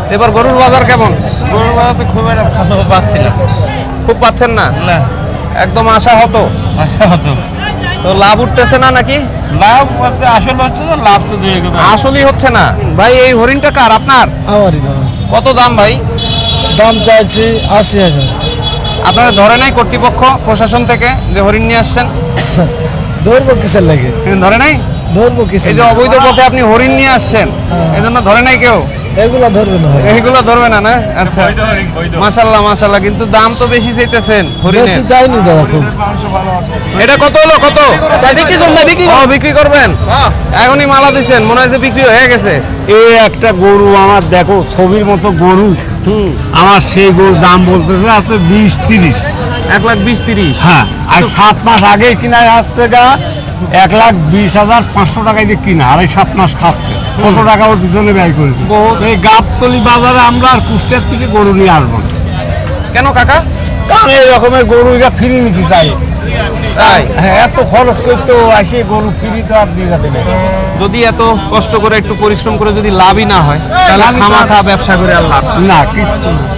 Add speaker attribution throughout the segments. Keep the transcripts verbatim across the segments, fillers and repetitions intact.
Speaker 1: এবার গরুর বাজার কেমন?
Speaker 2: গরুর বাজার তো খুব একটা ভালো পাচ্ছিলাম,
Speaker 1: খুব পাচ্ছেন না?
Speaker 2: না
Speaker 1: একদম আশা হতো।
Speaker 2: আশা হতো।
Speaker 1: তো লাভ উঠতেছে না নাকি?
Speaker 2: লাভ বলতে আসল হচ্ছে না, লাভ তো দুই কথা।
Speaker 1: আসলেই হচ্ছে না ভাই। এই হরিণটা কার? আপনার?
Speaker 3: আমারই দাম।
Speaker 1: কত দাম ভাই?
Speaker 3: দাম চাইছি আশি হাজার।
Speaker 1: আপনারা ধরে নাই কর্তৃপক্ষ প্রশাসন থেকে যে হরিণ নিয়ে আসছেন?
Speaker 3: ধরবো কিসের লাগে?
Speaker 1: ধরে নাই?
Speaker 3: ধরবো কিসের?
Speaker 1: এই যে অবৈধ পথে আপনি হরিণ নিয়ে আসছেন, এই জন্য ধরে নাই কেউ?
Speaker 3: এগুলা ধরবে না ভাই।
Speaker 1: এইগুলো ধরবে না না? আচ্ছা, মাশাআল্লাহ মাশাআল্লাহ। কিন্তু দাম তো বেশি চাইতেছেন হরিণের।
Speaker 3: বেশি চাইনি দাদা খুব।
Speaker 1: এটা কত হলো? কত বিক্রি করবেন? বিক্রি ও বিক্রি করবেন? এখনই মালা দিচ্ছেন, মনে হচ্ছে বিক্রি হয়ে গেছে।
Speaker 4: এই একটা গরু আমার দেখো ছবির মতো গরু,
Speaker 1: হুম,
Speaker 4: আমার সেই গরুর দাম বলতেছে আছে বিশ তিরিশ।
Speaker 1: এক লাখ বিশ তিরিশ।
Speaker 4: হ্যাঁ, আর সাত মাস আগে কিনা আসছে গা এক লাখ বিশ হাজার পাঁচশো টাকায় দিয়ে কিনা, আর এই সাত মাস খাচ্ছে। কত টাকা ওর পিছনে ব্যয় করেছে। এই গাবতলি বাজারে আমরা আর কুষ্টিয়ার থেকে গরু নিয়ে আসবো না।
Speaker 1: কেন কাকা?
Speaker 4: কারণ এই রকমের গরু এটা ফ্রি নিতে চাই।
Speaker 1: তাই?
Speaker 4: হ্যাঁ, এত খরচ করতে আসে গরু ফ্রি তো আর দিয়ে যাবে না।
Speaker 1: যদি এত কষ্ট করে একটু পরিশ্রম করে যদি লাভই না হয়, তাহলে খামাখা ব্যবসা করে আর লাভ
Speaker 4: না কিচ্ছু না।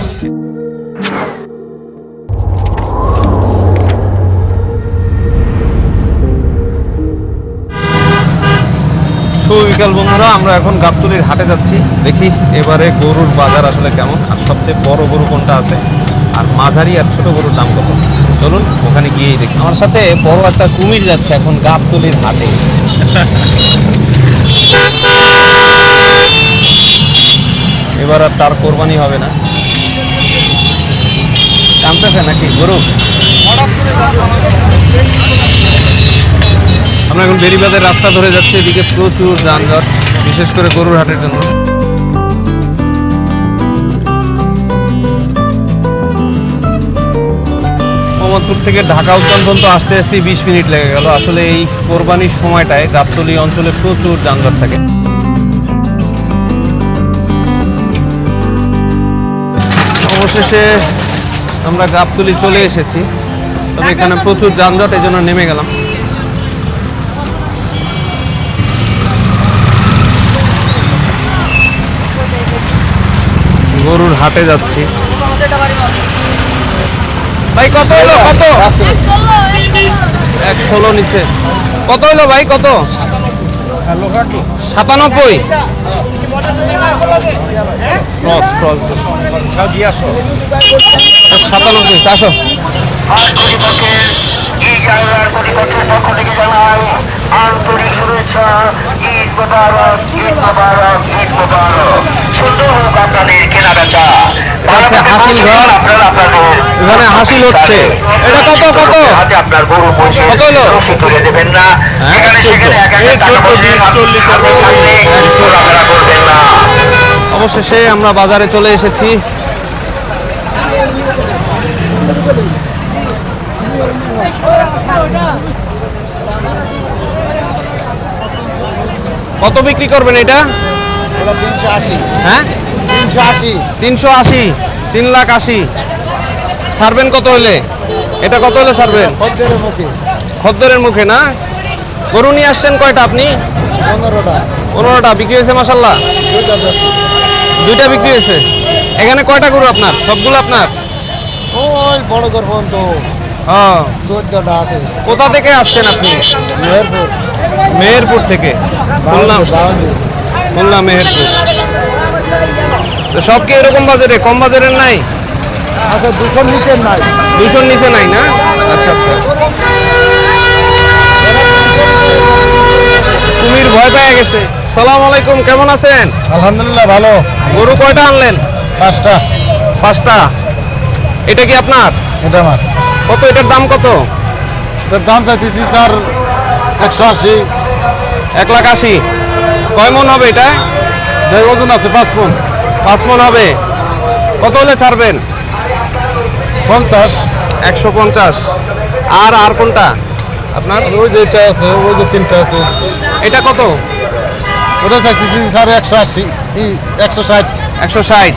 Speaker 1: সুবিকাল বন্ধুরা, আমরা এখন গাবতলির হাটে যাচ্ছি। দেখি এবারে গরুর বাজার আসলে কেমন, আর সবচেয়ে বড় গরু কোনটা আছে, আর মাঝারি আর ছোট গরুর দাম কত। চলুন ওখানে গিয়েই দেখি। আমার সাথে বড় একটা কুমির যাচ্ছে এখন গাবতলির হাটে। এবার আর তার কোরবানি হবে না। টানতেছে নাকি গরু? আমরা এখন বেরিবাদের রাস্তা ধরে যাচ্ছি। এদিকে প্রচুর যানজট, বিশেষ করে গরুর হাটের জন্য। মোহাম্মদপুর থেকে ঢাকা উদ্যান পর্যন্ত আসতে আসতে বিশ মিনিট লেগে গেল। আসলে এই কোরবানির সময়টায় গাবতলী অঞ্চলে প্রচুর যানজট থাকে। অবশেষে আমরা গাবতলী চলে এসেছি, তবে এখানে প্রচুর যানজট, এই জন্য নেমে গেলাম। গরুর হাটে যাচ্ছি। ভাই কত হলো? কত? এক ষোলো নিচে। কত হলো ভাই? কত? সাতানব্বই। ক্রস ক্রস সাতানব্বই। চারশো।
Speaker 5: আন্তরিক শুভেচ্ছা, ঈদ মোবারক, ঈদ মোবারক, ঈদ মোবারক। সুন্দর হোক আপনাদের কেনা বেচা।
Speaker 1: হাসিল ঘর, এখানে হাসিল হচ্ছে। এটা কত? কত
Speaker 5: আপনার গরু
Speaker 1: কত হলো?
Speaker 5: তুলে দেবেন না, এখানে সেখানে এক হাজার টাকা বলবেন, আপনারা করবেন না।
Speaker 1: অবশেষে আমরা বাজারে চলে এসেছি। কত বিক্রি করবেন এটা?
Speaker 3: তিনশো আশি।
Speaker 1: হ্যাঁ,
Speaker 3: তিনশো আশি।
Speaker 1: তিনশো আশি। তিন লাখ আশি। ছাড়বেন কত হলে? এটা কত হলে ছাড়বেন?
Speaker 3: খদ্দেরের মুখে।
Speaker 1: খদ্দরের মুখে না? গরু নিয়ে আসছেন কয়টা আপনি?
Speaker 3: পনেরোটা।
Speaker 1: পনেরোটা বিক্রি হয়েছে মাসাল্লাহ।
Speaker 3: দুইটা দশটা।
Speaker 1: দুইটা বিক্রি হয়েছে। এখানে কয়টা গরু আপনার? সবগুলো আপনার?
Speaker 3: ওই বড় ঘর পর্যন্ত
Speaker 1: হ্যাঁ।
Speaker 3: চোদ্দটা আছে।
Speaker 1: কোথা থেকে আসছেন আপনি?
Speaker 3: মেহেরপুর।
Speaker 1: মেহেরপুর থেকে। বললাম বললাম মেহেরপুর। তো সব কি এরকম বাজারে? কম বাজারের নাই?
Speaker 3: আচ্ছা, দুশোর নিচে নাই।
Speaker 1: দুশোর নিচে নাই না? আচ্ছা আচ্ছা। কুমির ভয় পেয়ে গেছে। সালাম আলাইকুম, কেমন আছেন?
Speaker 3: আলহামদুলিল্লাহ ভালো।
Speaker 1: গরু কয়টা আনলেন?
Speaker 3: পাঁচটা।
Speaker 1: পাঁচটা। এটা কি আপনার?
Speaker 3: এটা আমার।
Speaker 1: কত? এটার দাম কত?
Speaker 3: এটার দাম চাইতেছি স্যার একশো আশি।
Speaker 1: এক লাখ আশি। কয় মন হবে এটা?
Speaker 3: দেড় ওজন আছে, পাঁচ মন।
Speaker 1: পাঁচ মন হবে। কত হলে ছাড়বেন?
Speaker 3: পঞ্চাশ।
Speaker 1: একশো পঞ্চাশ। আর আর কোনটা আপনার?
Speaker 3: ওই যে এটা আছে, ওই যে তিনটা আছে।
Speaker 1: এটা কত?
Speaker 3: ওটা চাইতেছি স্যার একশো আশি, একশো ষাট।
Speaker 1: একশো ষাট।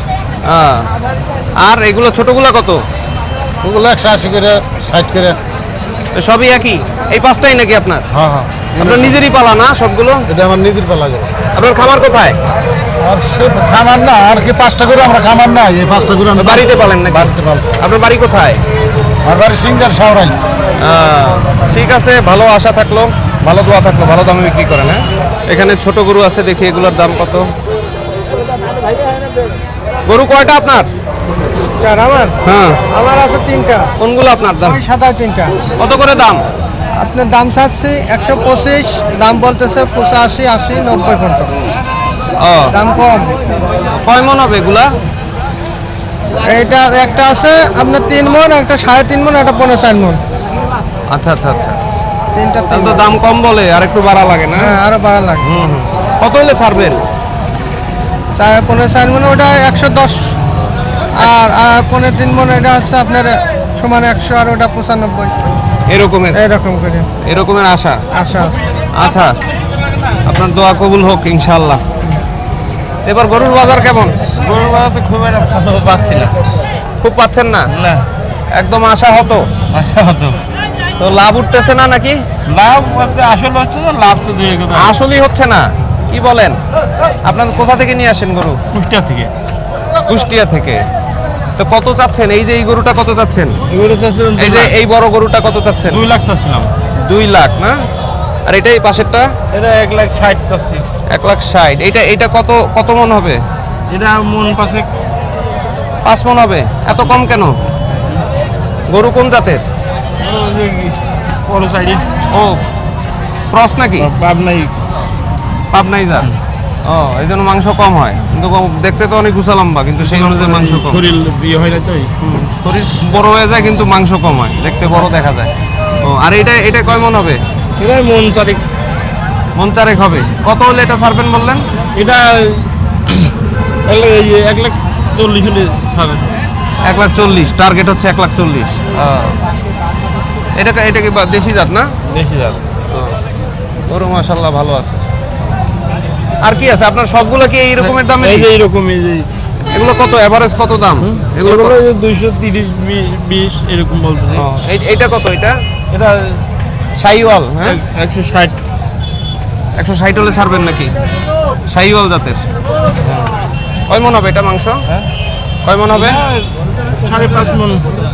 Speaker 1: আর এগুলো ছোটগুলো কত?
Speaker 3: ওগুলো একশো আশি করে, ষাট করে।
Speaker 1: সবই একই? এই পাঁচটাই নাকি আপনার?
Speaker 3: হ্যাঁ হ্যাঁ।
Speaker 1: আপনার নিজেরই পালা না সবগুলো?
Speaker 3: এটা আমার নিজের পালা যাবে।
Speaker 1: আপনার খামার কোথায়?
Speaker 3: আর সে খামার না আর কি পাঁচটা করে আমরা খামার না এই পাঁচটা করে আমি
Speaker 1: বাড়িতে পালেন নাকি?
Speaker 3: বাড়িতে পালছি।
Speaker 1: আপনার বাড়ি কোথায়?
Speaker 3: আর বাড়ি সিঙ্গার শাহরাই।
Speaker 1: আহ, ঠিক আছে, ভালো আশা থাকলো, ভালো দোয়া থাকলো, ভালো দামে বিক্রি করেন। হ্যাঁ, এখানে ছোট গরু আছে, দেখি এগুলোর দাম কত। গরু কয়টা আপনার?
Speaker 2: আমার
Speaker 1: হ্যাঁ,
Speaker 2: আমার আছে তিনটা,
Speaker 1: কোনগুলো আপনার দাম?
Speaker 2: ওই সাতাশ তিনটা।
Speaker 1: কত করে দাম?
Speaker 2: আপনার দাম চাচ্ছি একশো পঁচিশ, দাম বলতেছে পঁচাশি, আশি, নব্বই পর্যন্ত।
Speaker 1: ও,
Speaker 2: দাম কম।
Speaker 1: কয় মন হবে এগুলা?
Speaker 2: এইটা একটা আছে আপনার তিন মন, একটা সাড়ে তিন মন, একটা পনেরো চার মন।
Speaker 1: আচ্ছা আচ্ছা আচ্ছা,
Speaker 2: তিনটা তিন
Speaker 1: তাহলে তো
Speaker 2: মণ।
Speaker 1: দাম কম বলে, আর একটু বাড়া লাগে না?
Speaker 2: হ্যাঁ, আরো বাড়া লাগবে।
Speaker 1: হুম হুম। কত হলে ছাড়বেন?
Speaker 2: চার পনেরো চার মন ওটা একশো দশ, আর আর পনেরো তিন মন এটা হচ্ছে আপনার সমান একশো, আর ওটা পঁচানব্বই,
Speaker 1: এরকমের
Speaker 2: এরকম করে
Speaker 1: এরকমের আশা।
Speaker 2: আশা আছে।
Speaker 1: আচ্ছা, আপনার দোয়া কবুল হোক ইনশাআল্লাহ। এবার গরুর বাজার কেমন?
Speaker 2: গরুর বাজাতে খুব একটা ভালো পাচ্ছি না।
Speaker 1: খুব পাচ্ছেন না?
Speaker 2: না,
Speaker 1: একদম আশা হতো,
Speaker 2: আশা হতো।
Speaker 1: তো লাভ উঠতেছে না নাকি?
Speaker 2: লাভ বলতে আসল হচ্ছে না, লাভ তো দিয়ে কথা
Speaker 1: আসলেই হচ্ছে না, কি বলেন? আপনার কোথা থেকে নিয়ে আসেন গরু?
Speaker 2: কুষ্টিয়া থেকে।
Speaker 1: কুষ্টিয়া থেকে। তো কত চাচ্ছেন? এই যে এই গরুটা কত চাচ্ছেন?
Speaker 2: এগুলো চাচ্ছিলাম
Speaker 1: এই যে এই বড় গরুটা কত চাচ্ছেন?
Speaker 2: দুই লাখ চাচ্ছিলাম।
Speaker 1: দুই লাখ না? আর এটাই পাশেরটা
Speaker 2: এটা এক লাখ ষাট চাচ্ছি।
Speaker 1: এক লাখ ষাট। এইটা এইটা কত কত মন হবে?
Speaker 2: এটা মন পাশে
Speaker 1: পাঁচ মন হবে। এত কম কেন? গরু কোন জাতের?
Speaker 2: বড় সাইডে
Speaker 1: ও, ক্রস নাকি?
Speaker 2: পাবনাই।
Speaker 1: পাবনাই জাত। ও, এই জন্য মাংস কম হয়, কিন্তু কম- দেখতে তো অনেক উঁচা লম্বা, কিন্তু সেই অনুযায়ী মাংস কম।
Speaker 2: শরীর ইয়ে হয় না তো।
Speaker 1: শরীর বড় হয়ে যায় কিন্তু মাংস কম হয়, দেখতে বড় দেখা যায়। ও, আর এটা এটা কয় মন হবে?
Speaker 2: এটা মন চারিক।
Speaker 1: মন চারেক হবে। কত হলে এটা ছাড়বেন বললেন?
Speaker 2: এটা এক লাখ এই এক লাখ চল্লিশ হলে ছাড়ে।
Speaker 1: এক লাখ চল্লিশ, টার্গেট হচ্ছে এক লাখ চল্লিশ। এটা এটা কি বা- দেশি জাত না?
Speaker 2: দেখি যাবে।
Speaker 1: গরু মাশাল্লাহ ভালো আছে। আর কি আছে আপনার? সবগুলো কি এই রকমের দামে?
Speaker 2: এই যে এইরকম এই যে
Speaker 1: এগুলো কত এভারেজ কত দাম? এগুলো
Speaker 2: এগুলো
Speaker 1: কত?
Speaker 2: দুইশো তিরিশ বিশ এরকম বলতেছে।
Speaker 1: ও, এই- এইটা কত? এটা
Speaker 2: এটা
Speaker 1: শাহিওয়াল, হ্যাঁ,
Speaker 2: একশো ষাট।
Speaker 1: একশো ষাট হলে ছাড়বেন নাকি? শাহিওয়াল জাতের। কয় মন হবে এটা মাংস? কয় মন হবে?
Speaker 2: সাড়ে পাঁচ মন।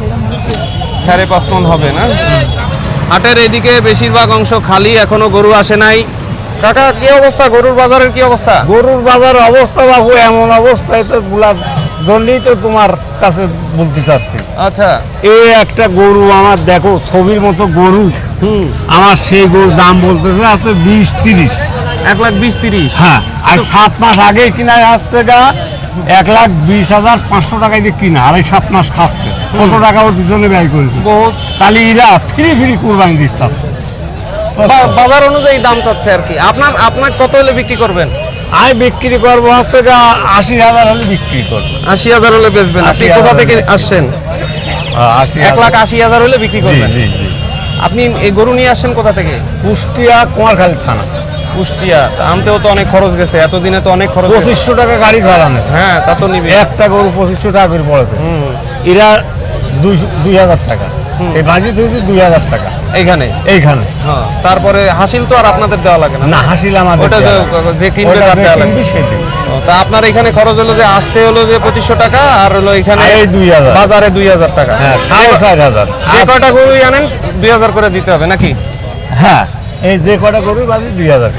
Speaker 1: সাড়ে পাঁচ মন হবে না? হাটের এদিকে বেশিরভাগ অংশ খালি, এখনো গরু আসে নাই। কাকা, কি অবস্থা গরুর বাজারের? কি অবস্থা?
Speaker 4: গরুর বাজার অবস্থা বাবু এমন অবস্থায় তো গুলা জন্যই তো তোমার কাছে বলতে চাচ্ছি।
Speaker 1: আচ্ছা,
Speaker 4: এই একটা গরু আমার দেখো ছবির মতো গরু,
Speaker 1: হুম,
Speaker 4: আমার সেই গরুর দাম বলতেছে আছে বিশ তিরিশ।
Speaker 1: এক লাখ বিশ তিরিশ।
Speaker 4: হ্যাঁ, আর সাত মাস আগে কিনা আসছে গা এক লাখ বিশ হাজার পাঁচশো টাকায় দিয়ে কিনা, আর এই সাত মাস খাচ্ছে। কত টাকা ওর পিছনে ব্যয় করেছে?
Speaker 1: বহুত।
Speaker 4: তাহলে এরা ফ্রি ফ্রি কুরবানি দিচ্ছে।
Speaker 1: বা- বাজার অনুযায়ী দাম চাচ্ছে আর কি। আপনার আপনার কত হলে বিক্রি করবেন?
Speaker 4: আমি বিক্রি করবো হচ্ছে গা আশি হাজার হলে বিক্রি করবো।
Speaker 1: আশি হাজার হলে বেচবেন। আপনি
Speaker 4: আশি
Speaker 1: কোথা
Speaker 4: হাজার।
Speaker 1: থেকে আসছেন?
Speaker 4: আশি
Speaker 1: এক লাখ আশি হাজার হলে বিক্রি করবেন।
Speaker 4: জি জি।
Speaker 1: আপনি এই গরু নিয়ে আসছেন কোথা থেকে?
Speaker 4: কুষ্টিয়া কুমারখালী থানা।
Speaker 1: কুষ্টিয়া। তা আনতেও তো অনেক খরচ গেছে, এতদিনে তো অনেক খরচ গেছে।
Speaker 4: পঁচিশশো টাকা গাড়ি ভাড়া নেয়।
Speaker 1: হ্যাঁ, তা তো নিবে।
Speaker 4: একটা গরু পঁচিশশো টাকা করে পড়েছে। এরা দুইশো দুই হাজার টাকা, এই বাজি হয়েছে দুই হাজার টাকা
Speaker 1: এইখানে।
Speaker 4: এইখানে।
Speaker 1: হ্যাঁ, তারপরে হাসিল তো আর আপনাদের দেওয়া লাগে না।
Speaker 4: না হাসিল আমাদের
Speaker 1: ওটা
Speaker 4: দেয়া
Speaker 1: যে-
Speaker 4: লাগে।
Speaker 1: যে কিনবে
Speaker 4: ওটা
Speaker 1: তার
Speaker 4: যে
Speaker 1: দেওয়া লাগে।
Speaker 4: কিনবে সে দেবে।
Speaker 1: ও, তা আপনার এখানে খরচ হলো যে আসতে হলো যে পঁচিশশো টাকা, আর হলো এখানে
Speaker 4: আর এই দুই হাজার।
Speaker 1: বাজারে দুই হাজার টাকা।
Speaker 4: হ্যাঁ, সাড়ে চার হাজার।
Speaker 1: যে কয়টা গরু আনেন দুই হাজার করে দিতে হবে নাকি?
Speaker 4: হ্যাঁ, এই যে কটা গরু বাজি দুই হাজার।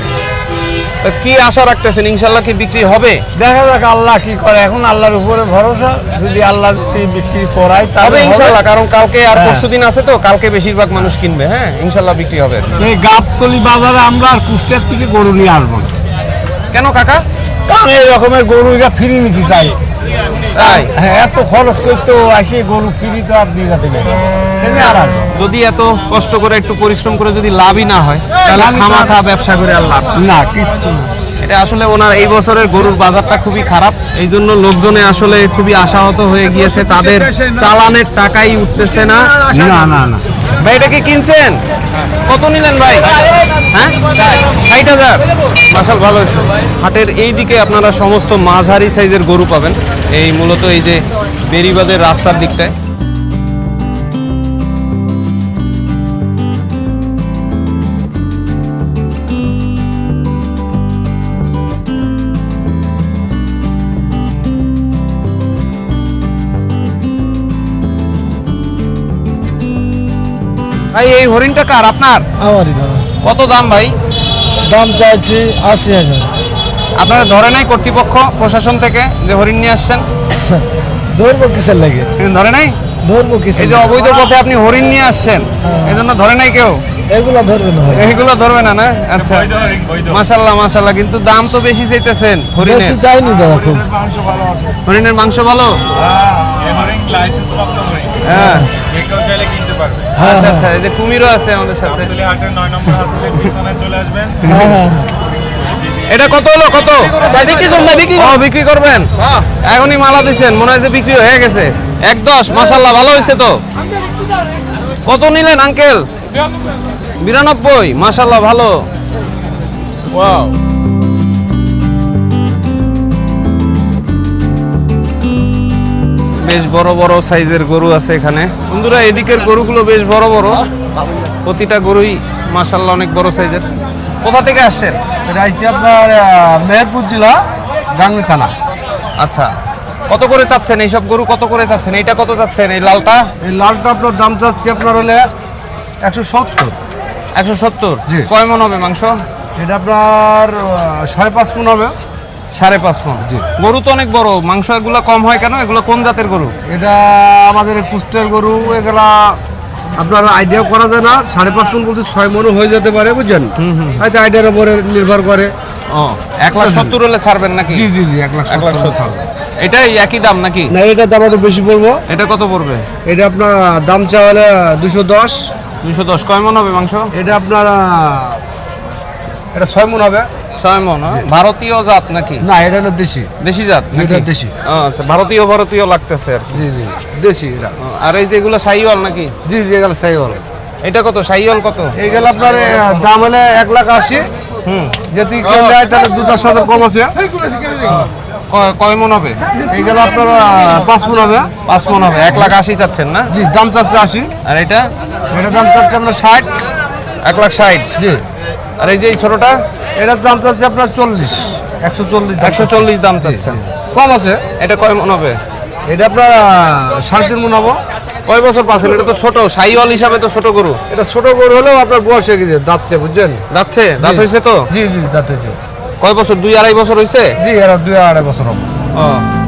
Speaker 1: তা কি আশা রাখতেছেন? ইনশাল্লাহ কি বিক্রি হবে?
Speaker 4: দেখা যাক আল্লাহ কি করে, এখন আল্লাহর উপরে ভরসা। যদি আল্লাহ যদি বিক্রি করায়
Speaker 1: হবে
Speaker 4: তাহলে
Speaker 1: ইনশাল্লাহ, কারণ কালকে আর
Speaker 4: হ্যাঁ।
Speaker 1: পরশুদিন আছে তো, কালকে বেশিরভাগ মানুষ কিনবে। হ্যাঁ, ইনশাল্লাহ বিক্রি হবে।
Speaker 4: এই গাবতলি বাজারে আমরা আর কুষ্টিয়ার থেকে গরু নিয়ে আসবো না।
Speaker 1: কেন কাকা?
Speaker 4: কারণ এই রকমের গরু এরা ফ্রি নিতে চাই।
Speaker 1: তাই
Speaker 4: হ্যাঁ, এত খরচ করতে আসে গরু ফ্রি তো আর দিয়ে যাতে পারে সেটা আর আসবে না।
Speaker 1: যদি এত কষ্ট করে একটু পরিশ্রম করে যদি লাভই না হয়, তাহলে
Speaker 4: লাভই তো-
Speaker 1: খামাখা ব্যবসা করে আর লাভ নেই।
Speaker 4: না কিচ্ছু না।
Speaker 1: এটা আসলে ওনার এই বছরের গরুর বাজারটা খুবই খারাপ, এই জন্য লোকজনে আসলে খুবই আশাহত হয়ে গিয়েছে, তাদের চালানের টাকাই উঠতেছে না।
Speaker 4: না না না
Speaker 1: ভাই, এটা কি কিনছেন? কত নিলেন ভাই? হ্যাঁ, ষাট হাজার। মাশাল, ভালো হয়েছে। হাটের এই দিকে আপনারা সমস্ত মাঝারি সাইজের গরু পাবেন, এই মূলত এই যে বেরিবাদের রাস্তার দিকটায়। ভাই এই হরিণটা কার, আপনার?
Speaker 3: আমারই দাম
Speaker 1: কত দাম ভাই?
Speaker 3: দাম চাইছি আশি হাজার।
Speaker 1: আপনারা ধরে নাই কর্তৃপক্ষ প্রশাসন থেকে যে হরিণ নিয়ে আসছেন?
Speaker 3: ধরবো কিসের লাগে?
Speaker 1: ধরে নাই?
Speaker 3: ধরবো কিসের?
Speaker 1: এই যে অবৈধ পথে আপনি হরিণ নিয়ে আসছেন, এই জন্য ধরে নাই কেউ?
Speaker 3: এগুলা ধরবে না ভাই।
Speaker 1: এইগুলো ধরবে না না? আচ্ছা, মাশাল্লাহ মাশাল্লাহ, কিন্তু দাম তো বেশি চাইতেছেন
Speaker 3: বেশি
Speaker 1: হরিণের।
Speaker 3: চাইনি দাদা খুব।
Speaker 1: হরিণের মাংস ভালো? হ্যাঁ
Speaker 3: হ্যাঁ
Speaker 1: আচ্ছা
Speaker 3: হ্যাঁ
Speaker 1: আচ্ছা, এই যে কুমিরও আছে আমাদের সাথে।
Speaker 3: হ্যাঁ হ্যাঁ।
Speaker 1: এটা কত হলো, কত? বিক্রি করবেন? বিক্রি ও বিক্রি করবেন, এখনই মালা দিছেন, মনে হয় যে বিক্রি হয়ে গেছে। এক দশ, মাশাল্লাহ ভালো হয়েছে তো। কত নিলেন আঙ্কেল? বিরানব্বই, মাশাল্লাহ ভালো। বেশ বড় বড় সাইজের গরু আছে এখানে বন্ধুরা। এদিকের গরুগুলো বেশ বড় বড়, প্রতিটা গরুই মাশাল্লাহ অনেক বড় সাইজের। কোথা থেকে আসছেন?
Speaker 3: এটা আইছি আপনার মেহেরপুর জেলা গাংনী থানা।
Speaker 1: আচ্ছা, কত করে চাচ্ছেন এইসব গরু, কত করে চাচ্ছেন? এইটা কত চাচ্ছেন, এই লালটা?
Speaker 3: এই লালটা আপনার দাম চাচ্ছি আপনার হলে একশো সত্তর।
Speaker 1: একশো সত্তর।
Speaker 3: জি।
Speaker 1: কয় মন হবে মাংস?
Speaker 3: এটা আপনার আহ, সাড়ে পাঁচ মন হবে।
Speaker 1: সাড়ে পাঁচ মন। গরু তো অনেক বড়, মাংস এগুলো কম হয় কেন? এগুলো কোন জাতের গরু?
Speaker 3: এটা আমাদের কুষ্টের গরু, এগুলা আপনার আইডিয়া করা যায় না। সাড়ে পাঁচ মন বলতে ছয় মনও হয়ে যেতে পারে, বুঝছেন? হয়তো আইডিয়ার উপরে নির্ভর করে।
Speaker 1: ও, এক লাখ সত্তর হলে ছাড়বেন নাকি?
Speaker 3: জি জি জি এক লাখ
Speaker 1: এক লাখ
Speaker 3: সত্তর
Speaker 1: সত্তর। এটাই একই দাম নাকি?
Speaker 3: না, এটা দাম আরো বেশি পড়বো।
Speaker 1: এটা কত পড়বে?
Speaker 3: এটা আপনার দাম চা হলে দুশো দশ।
Speaker 1: দুশো দশ। কয় মন হবে মাংস?
Speaker 3: এটা আপনার আহ, এটা ছয় মন হবে।
Speaker 1: ছয় মন। হ্যাঁ? ভারতীয় জাত নাকি?
Speaker 3: না, এটা হলো দেশি।
Speaker 1: দেশি জাত নাকি?
Speaker 3: এটা দেশি।
Speaker 1: ও, আচ্ছা, ভারতীয় ভারতীয় লাগতেছে আর কি।
Speaker 3: জি জি দেশি এটা।
Speaker 1: ও, আর এই যেগুলো শাহিওয়াল নাকি?
Speaker 3: জি জি এগুলো সাই হল।
Speaker 1: এটা কত শাহিওয়াল কত?
Speaker 3: এইগুলো আপনার আহ, দাম হলে এক লাখ আশি।
Speaker 1: হুম,
Speaker 3: যদি কেউ নেয় তাহলে দুটার সাথে কম আছে।
Speaker 1: কয়- কয় মন হবে?
Speaker 3: এইগুলো আপনার আহ, পাঁচ মন হবে।
Speaker 1: পাঁচ মন হবে। এক লাখ আশি চাচ্ছেন না?
Speaker 3: জি দাম চাচ্ছে আশি।
Speaker 1: আর এটা?
Speaker 3: এটার দাম চাচ্ছে আপনার ষাট।
Speaker 1: এক লাখ ষাট।
Speaker 3: জি।
Speaker 1: আর এই যে এই ছোটটা?
Speaker 3: এটার দাম চাচ্ছে আপনার চল্লিশ, একশো চল্লিশ।
Speaker 1: একশো চল্লিশ দাম চাচ্ছেন।
Speaker 3: কম আছে।
Speaker 1: এটা কয় মন হবে?
Speaker 3: এটা আপনার আহ, সাড়ে তিন মন হবো।
Speaker 1: কয় বছর পাচ্ছেন? এটা তো ছোট, শাহিওয়াল হিসাবে তো ছোট গরু।
Speaker 3: এটা ছোট গরু হলেও আপনার বয়স হয়ে গেছে, দাঁতছে, বুঝছেন?
Speaker 1: যাচ্ছে, দাঁত হয়েছে তো?
Speaker 3: জি জি দাঁত হয়েছে।
Speaker 1: কয় বছর? দুই আড়াই বছর হয়েছে?
Speaker 3: জি এরা দুই আড়াই বছর হবে।
Speaker 1: ও,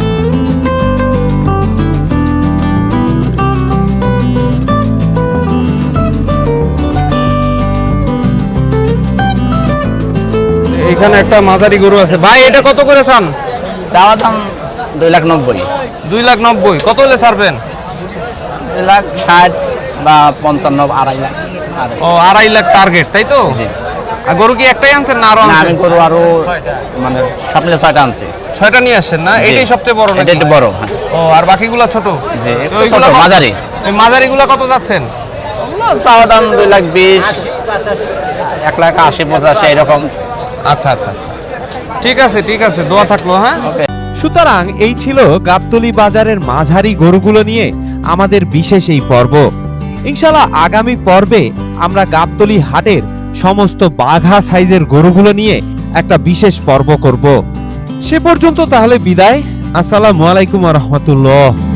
Speaker 1: এখানে একটা মাঝারি গরু আছে ভাই, এটা কত করে চান?
Speaker 6: চাওয়া দাম দুই লাখ নব্বই।
Speaker 1: দুই লাখ নব্বই। কত হলে ছাড়বেন?
Speaker 6: দুই লাখ ষাট বা পঞ্চান্ন, আড়াই লাখ। আড়াই।
Speaker 1: ও, আড়াই লাখ টার্গেট, তাই তো?
Speaker 6: জি।
Speaker 1: আর গরু কি একটাই আনছেন না আরো
Speaker 6: না,
Speaker 1: আনছেন?
Speaker 6: আমি করবো আরো, মানে সামনে ছয়টা আনছি।
Speaker 1: ছয়টা নিয়ে আসছেন না? এটাই সবচেয়ে বড়
Speaker 6: এটা
Speaker 1: নাকি?
Speaker 6: একটু বড়, হ্যাঁ।
Speaker 1: ও, আর বাকিগুলো ছোট?
Speaker 6: জি,
Speaker 1: তো
Speaker 6: একটু
Speaker 1: ওইগুলো
Speaker 6: ছোট,
Speaker 1: কত-
Speaker 6: মাঝারি।
Speaker 1: এই মাঝারিগুলো কত যাচ্ছেন?
Speaker 6: চাওয়া দাম দুই লাখ বিশ, এক লাখ আশি পঁচাশি এরকম।
Speaker 1: আচ্ছা আচ্ছা আচ্ছা, ঠিক আছে ঠিক আছে, দোয়া থাকলো। হ্যাঁ,
Speaker 7: সুতরাং এই ছিল গাবতলী বাজারের মাঝারি গরুগুলো নিয়ে আমাদের বিশেষ এই পর্ব। ইনশাআল্লাহ আগামী পর্বে আমরা গাবতলী হাটের সমস্ত বাঘা সাইজের গরুগুলো নিয়ে একটা বিশেষ পর্ব করব। সে পর্যন্ত তাহলে বিদায়। আসসালামু আলাইকুম ওয়া রাহমাতুল্লাহ।